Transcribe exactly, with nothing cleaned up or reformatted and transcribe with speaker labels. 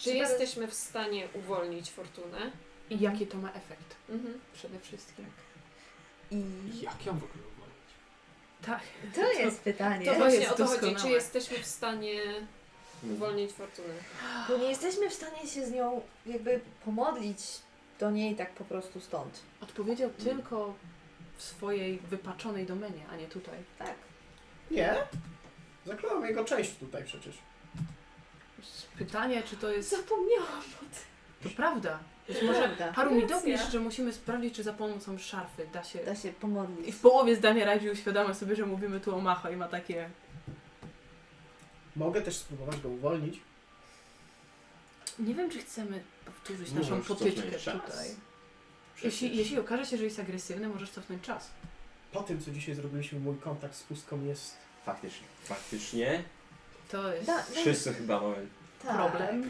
Speaker 1: Czy jesteśmy w stanie uwolnić fortunę?
Speaker 2: I jaki to ma efekt
Speaker 1: Mhm.
Speaker 2: przede wszystkim.
Speaker 3: I
Speaker 4: Jak ją w ogóle uwolnić?
Speaker 2: Tak.
Speaker 3: to jest pytanie.
Speaker 1: To
Speaker 2: To
Speaker 1: właśnie
Speaker 2: jest
Speaker 1: o to chodzi.
Speaker 2: doskonałe.
Speaker 1: Czy jesteśmy w stanie uwolnić fortunę?
Speaker 3: Bo nie jesteśmy w stanie się z nią jakby pomodlić do niej tak po prostu stąd.
Speaker 2: Odpowiedział tylko w swojej wypaczonej domenie, a nie tutaj.
Speaker 3: Tak.
Speaker 4: Nie. Zakląłem jego część tutaj przecież.
Speaker 2: Pytanie, czy to jest...
Speaker 1: Zapomniałam.
Speaker 2: To prawda. Być może
Speaker 3: Prawda.
Speaker 2: Haru mi
Speaker 1: Racja.
Speaker 2: dopisz, że musimy sprawdzić, czy za pomocą szarfy da się...
Speaker 3: Da się
Speaker 2: I
Speaker 3: pomodlić.
Speaker 2: w połowie zdania Rajdzi uświadamia sobie, że mówimy tu o Macho i ma takie...
Speaker 4: Mogę też spróbować go uwolnić.
Speaker 2: Nie wiem, czy chcemy powtórzyć
Speaker 5: Możesz
Speaker 2: naszą potyczkę
Speaker 5: cofnąć czas.
Speaker 2: tutaj.
Speaker 5: Przecież.
Speaker 2: Jeśli, jeśli okaże się, że jest agresywny, możesz cofnąć czas.
Speaker 4: Po tym, co dzisiaj zrobiliśmy, mój kontakt z pustką jest...
Speaker 5: Faktycznie. Faktycznie.
Speaker 2: To jest...
Speaker 3: Da, da,
Speaker 5: Wszyscy chyba mamy
Speaker 3: tak.
Speaker 2: problem.